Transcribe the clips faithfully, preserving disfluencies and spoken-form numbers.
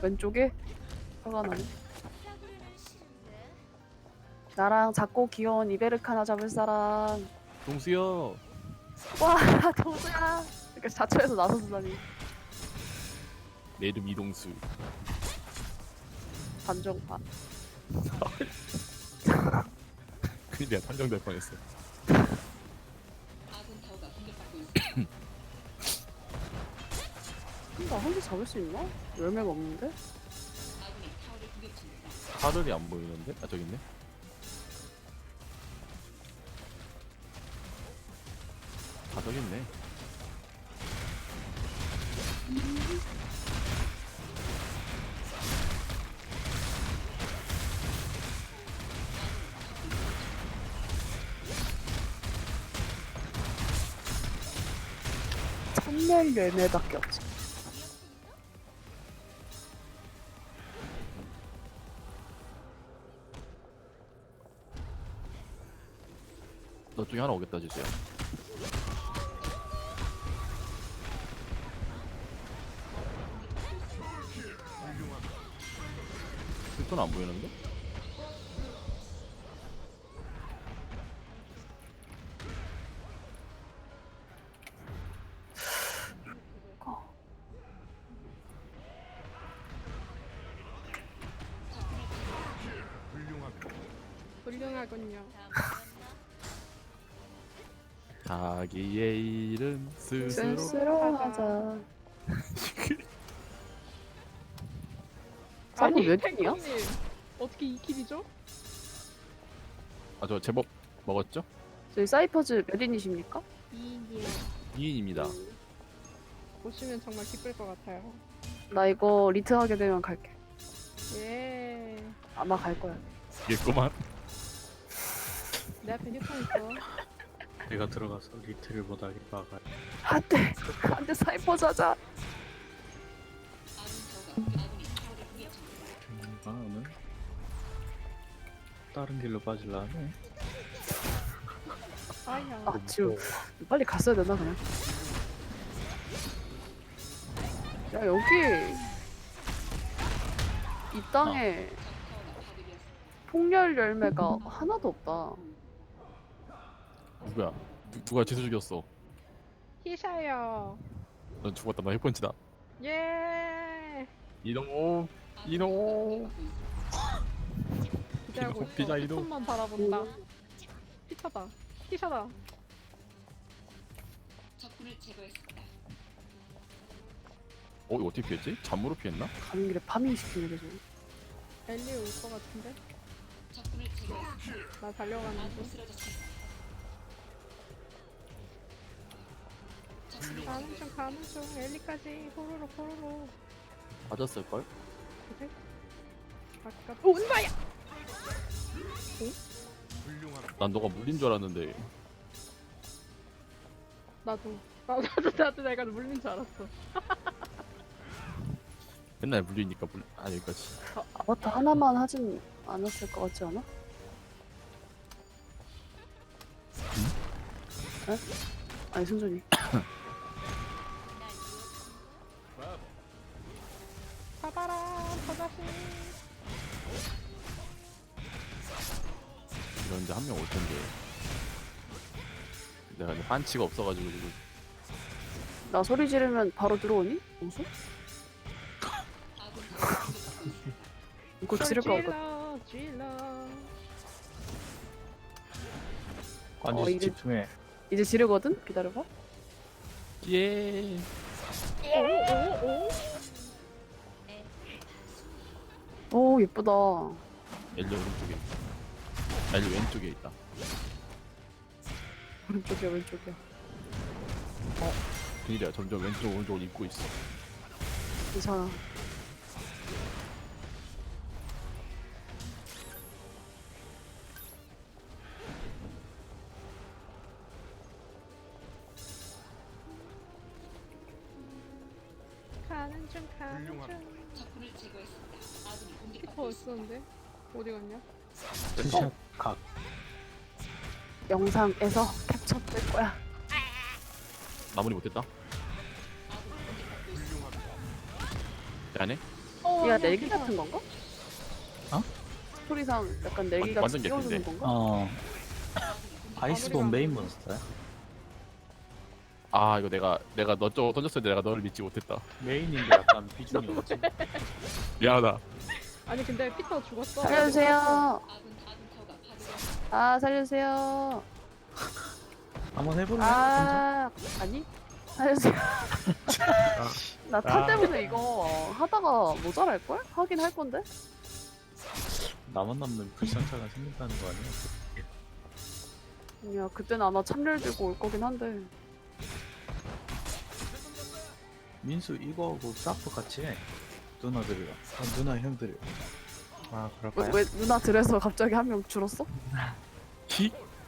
왼쪽에? 화가 나네. 나랑 작고 귀여운 이베르카나 잡을 사람. 동수요. 와, 도수야. 이렇게 자초해서 나서다니. 내 이름 이동수. 반정판. 큰일 내가 판정될 뻔했어. 나 혼자 잡을 수 있나? 열매가 없는데? 하늘이 안 보이는데? 아 저기 있네. 아 저기 있네. 천멸 열매밖에 없지. 너 중에 하나 오겠다 주세요. 그건 안 보이는데? 훌륭하군요. 자기의 일은 스스로. 스스로 하자. 아니, 몇 킬이야? 탱크님 어떻게 이 킬이죠? 아 저 제법 먹었죠? 저희 사이퍼즈 몇 인이십니까? 이인이요. 이 인입니다. 보시면 정말 기쁠 것 같아요. 나 이거 리트 하게 되면 갈게. 예. 아마 갈 거야. 이겠구만. 내 앞에 휴통 있어. 내가 들어가서 리트를 못하게 막아야 안 돼. 안 돼, 사이퍼즈 하자. 아 오늘 다른 길로 빠질라 하네. 아야. 아, 지금 빨리 갔어야 되나, 그냥? 야, 여기. 이 땅에 폭렬 열매가 하나도 없다. 누구야? 누, 누가 지수 죽였어? 히샤요. 넌 죽었다. 너 핵펀치다. 예. 이동. 이동. 기대하고 있어. 피자 이동. 손만 바라본다. 히샤다. 히샤다. 어 이거 어떻게 피했지? 잠무로 피했나? 가는 길에 파밍 시키는 게 좀. 엘리 올 것 같은데? 나 달려가는 중. 가는 중 가는 중 엘리까지 호로로 호로로. 맞았을걸? 그래? 아까 온바야. 난 너가 물린 줄 알았는데. 나도 나, 나도 나도 내가 물린 줄 알았어. 맨날 물리니까 물... 아 여기까지. 아, 아바타 하나만 하진 않았을 것 같지 않아? 에? 아니, 순전히. 잡아라 저 자식. 이런데 한 명 올 텐데. 내가 근데 반치가 없어가지고 지금. 나 소리 지르면 바로 들어오니? 무슨? 이거 지를 거 같아. 찔러 찔러. 완전 어, 이게- 집중해. 이제 지르거든? 기다려봐. 예. 오오오. 오, 예쁘다. 엘리 오른쪽에. 엘리 왼쪽에 있다. 오른쪽이야, 왼쪽이야. 그니라 점점 왼쪽 오른쪽을 입고 있어. 괜찮아. 가는 중 가는 중. 키퍼 있었는데 어디 갔냐? 투샷 각. 영상에서 캡처될 거야. 마무리 못했다. 안 해? 어 얘가 넬기 같은 건가? 어? 스토리상 약간 넬기 완- 같이 완전 띄워주는 개인데. 건가? 어. 아이스본 메인 몬스터야. 아 이거 내가 내가 너 쪽 던졌을 때 내가 너를 믿지 못했다. 메인인데 약간 비중이 없지. 미안하다. 아니 근데 피터 죽었어. 살려주세요. 아 살려주세요. 한번 해볼래? 혼자? 아 아니 살려주세요. 나 탄 아. 때문에 이거 하다가 모자랄 걸? 하긴 할 건데. 나만 남는 불상차가 생긴다는 거 아니야? 야 그때는 아마 참를 들고 올 거긴 한데. 민수 이거하고 사프 같이 해. 누나들이랑. 아, 누나 형들이. 아 왜, 그럴까요? 왜 누나 들에서 갑자기 한 명 줄었어? 히?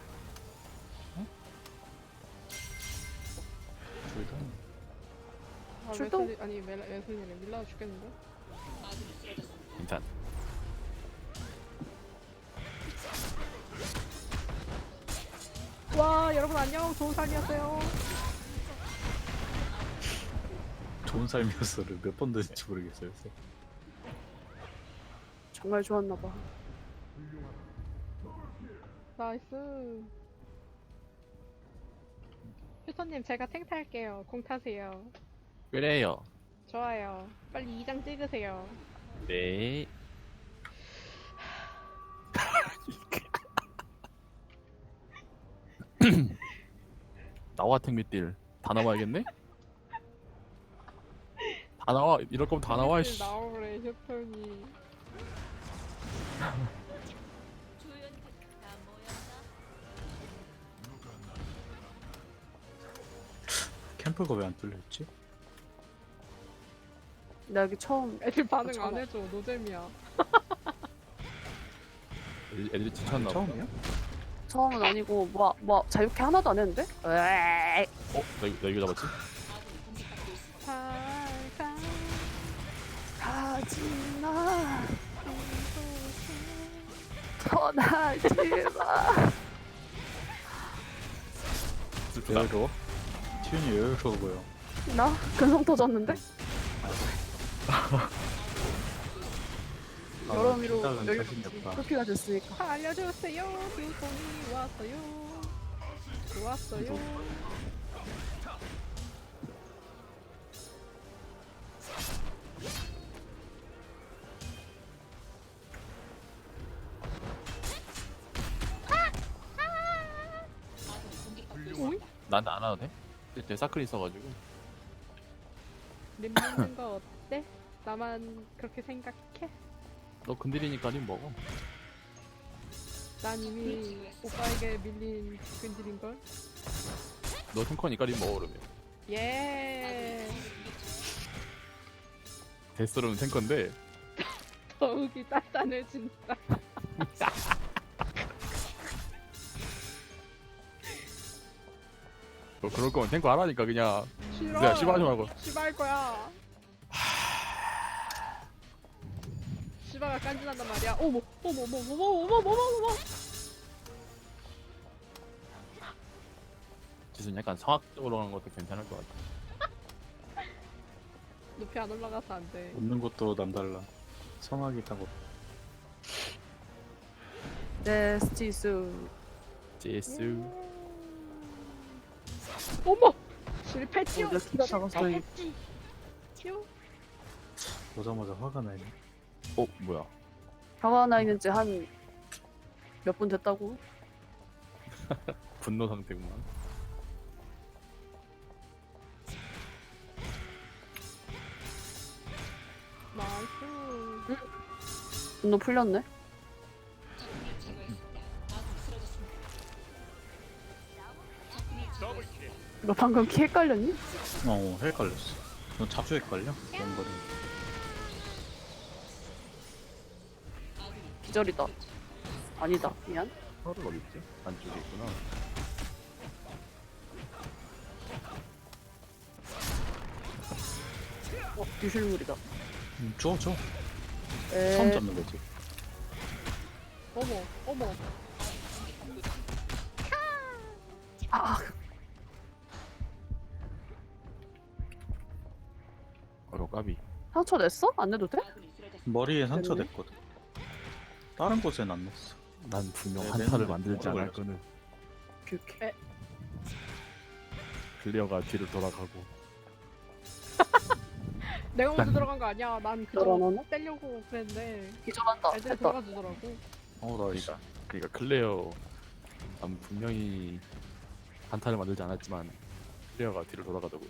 둘 다. 아, 출동? 웨슬리, 아니 멜- 웨슬리는 밀라 죽겠는데? 괜찮. 와 여러분 안녕 좋은 삶이었어요. 좋은 삶이었어를 몇 번 듣는지 모르겠어요. 그래서. 정말 좋았나 봐. 나이스. 휴터님 제가 탱 탈게요. 공 타세요. 그래요. 좋아요. 빨리 이 장 찍으세요. 네. 나와 택미딜 다 나와야겠네? 다 나와. 이럴 거면 다 나와. 씨. 나오래 휴터님. 캠프가 왜 안 뚫려있지? 나 여기 처음 애들 반응 처음 안 해줘. 노잼이야. 애들- 애들이 지쳤나 봐. 처음이야? 처음은 아니고 뭐 뭐 자유케 하나도 안 했는데? 에이, 어? 나, 이거- 나 이거 잡았지? 살살 하지마 떠나지마. 슬프다. 여유로워? 튜니 여유로워 보여. 나 근성 터졌는데? 여러 미로 생각은 여기 자신이 없다. 토끼가 됐으니까. 알려주세요. 휴톤이 왔어요. 좋았어요. 오이? 나한테 안 와도 돼? 내 사클 있어가지고. 림 먹는 거 어때? 나만 그렇게 생각해? 너 근딜이니까 님 먹어. 난 이미 오빠에게 밀린 근질인걸? 너 탱커니까 님 먹어 그러면. 예. 데스로는 탱커인데 더욱이 단단해진다. 너 그럴 거면 탱커 하라니까 그냥. 싫어. 내가 씨발하지 말고. 씨발 거야. 씨발가 깐진한단 말이야. 어머, 어머, 어머, 어머, 어머, 어머, 어머. 지금 약간 성악적으로 하는 것도 괜찮을 것 같아. 높이 안 올라가서 안 돼. 웃는 것도 남달라. 성악이 있다고. 데스티스. 제스. 어머, 실패지요. 내 키가 작아서 저기 실패지요. 보자마자 화가 나네. 어 뭐야? 화가 나 있는지 한 몇 분 됐다고? 분노 상태구만. 나이스. 분노 풀렸네. 너 방금 키 헷갈렸니? 어, 헷갈렸어. 너 자주 헷갈려? 그런 거는. 기절이다. 아니다. 미안. 서를 어디 있지? 안쪽에 있구나. 어, 유실물이다. 음, 줘, 줘. 에... 처음 잡는 거지. 어머, 어머. 아, 어려 까비. 상처 냈어? 안 내도 돼? 머리에 상처 됐네. 냈거든. 다른 곳엔 안 냈어. 난 분명 네, 한타를 맨날 만들지 오래 않을 걸렸어. 거는 오케이 오케이. 클리어가 뒤를 돌아가고. 내가 먼저 들어간 거 아니야. 난 그저 들어가나? 떼려고 그랬는데 기절한다. 애들이 했다. 들어가 주더라고. 어, 나 이씨. 그러니까 그러니까 클레어 난 분명히 한타를 만들지 않았지만 클레어가 뒤를 돌아가더고.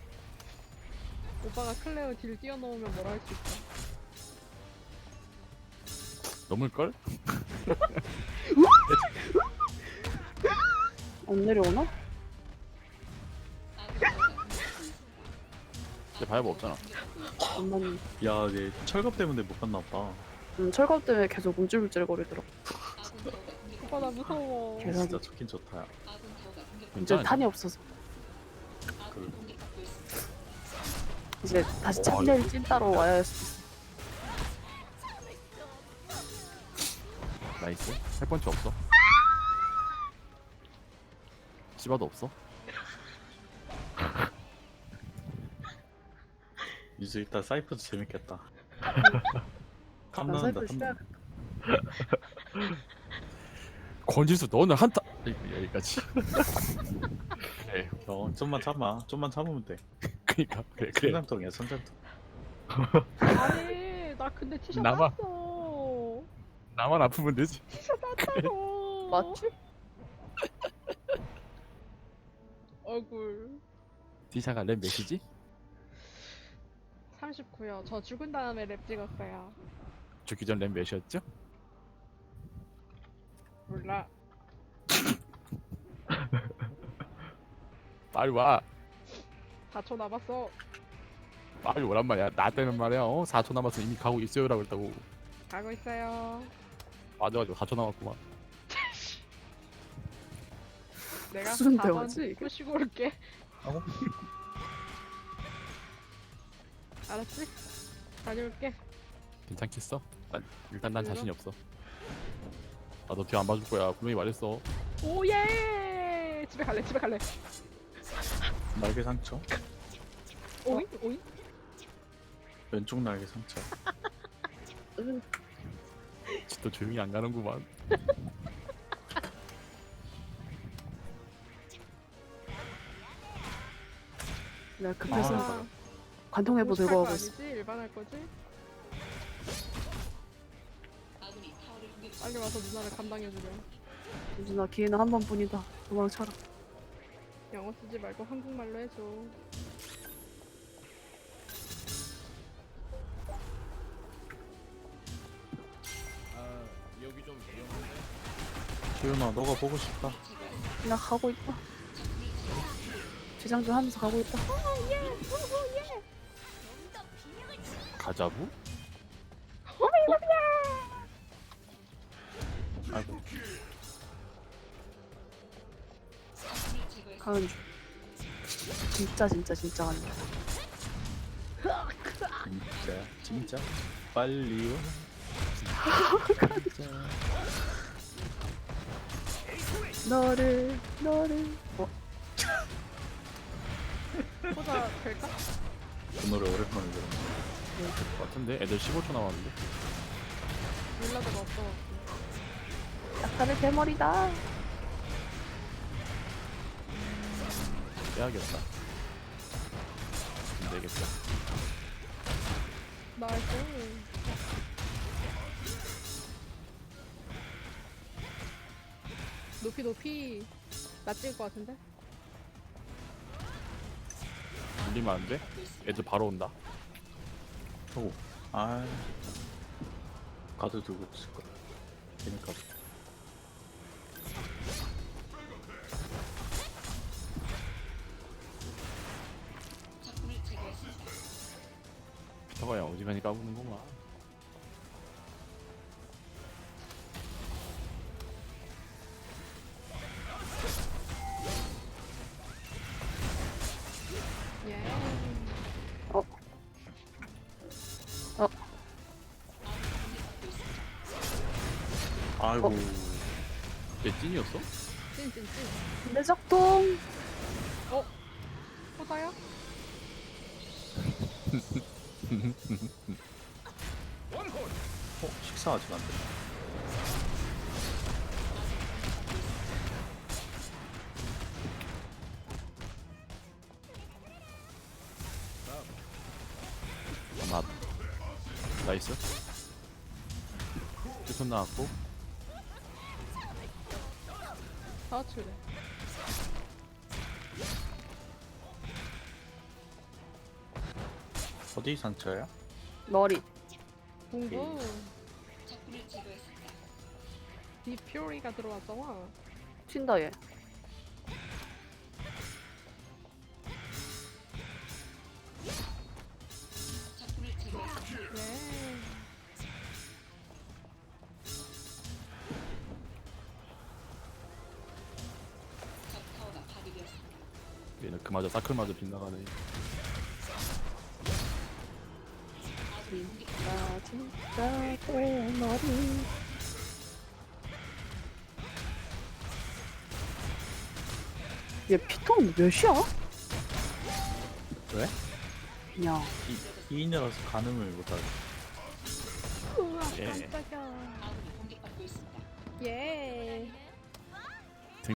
오빠가 클레어 딜 뛰어넘으면 뭐라 할 수 있어. 넘을걸? 안 내려오나? 근데 바이브 없잖아. 엄마님. 야, 얘 철갑 때문에 못 갔나 봐. 음, 철갑 때문에 계속 움찔움찔 거리더라. 오빠 나 무서워. 계속. 진짜 좋긴 좋다. 야. 이제 괜찮아. 탄이 없어서. 그, 이제 다시 와, 참낼 찐따로 와야 할 수 있어. 나이스. 할 번째 없어. 씨바도 없어. 이제 일단 사이프도 재밌겠다. 난 탐난다, 사이프 탐난다. 권지수 너는 한타 여기까지. 그래. 어, 좀만 참아. 좀만 참으면 돼. 그니까 그래 그래. 성장통이야, 성장통. 아니 나 근데 티셔츠 나만. 땄어. 나만 아프면 되지. 티셔츠 땄다고. 맞지? 얼굴. 디샤가 랩 몇이지? 삼십구요. 저 죽은 다음에 랩 찍었어요. 죽기 전 랩 몇이었죠? 몰라. 빨리 와. 사 초 남았어. 빨리 오란 말이야. 나 때는 말이야. 어? 사 초 남았으면 이미 가고 있어요라고 했다고. 가고 있어요. 맞아가지고 사 초 남았구만. 내가 무슨 사 번 대화지, 이게? 꼬시고 올게. 어? 알았지? 다녀올게. 괜찮겠어? 난, 일단 난 자신이 없어. 아 너 뒤 안 봐줄 거야. 분명히 말했어. 오예! 집에 갈래, 집에 갈래. 날개 상처? 오잉? 오잉? 왼쪽 날개 상처. 응. 진짜 조용히 안 가는구만. 내가 급해서 아. 관통해보 오십 들고 할 가고 거 있어. 아니지? 일반 할 거지? 빨리 와서 누나를 감당해주려. 누나 기회는 한 번뿐이다. 도망쳐라. 영어 쓰지 말고 한국말로 해줘. 기훈아, 너가 보고 싶다. 나 가고 있다. 지장 좀 하면서 가고 있다. 가자부? 아이고, 가는 중. 진짜 진짜 진짜 가는 중. 진짜, 진짜. 빨리 와. 너를 너를 어? 포자 될까? 그 노래 오랜만에 들었네. 될 것 같은데? 애들 십오 초 남았는데? 윌라드가 없어. 약간의 대머리다. 빼야겠다. 안 되겠다. 나이스. 높이 높이 나 찍을 것 같은데? 밀리면 안 돼? 애들 바로 온다. 오, 아, 가드 두고 있을 거야. 괜히 가드. 피터가 형 어지간히 까부는구만. 예. 어? 어? 아이고, 얘 찐이었어? 찐찐찐. 내 적통. 어? 포자야? 어? 식사 아직 안 됐나? 맛. 나이스. 휴톤 나왔고. 다 같이 그래. 어디 상처야? 머리. 공부. 디퓨리가 들어왔잖아. 튄다 얘. 네. 얘는 그마저 사클마저 빗나가네. 진짜 진짜 내 머리. 얘 피통 몇이야? 왜? 그냥 이, 이인이라서 가늠을 못하지. 우와 예. 깜짝이야. 예.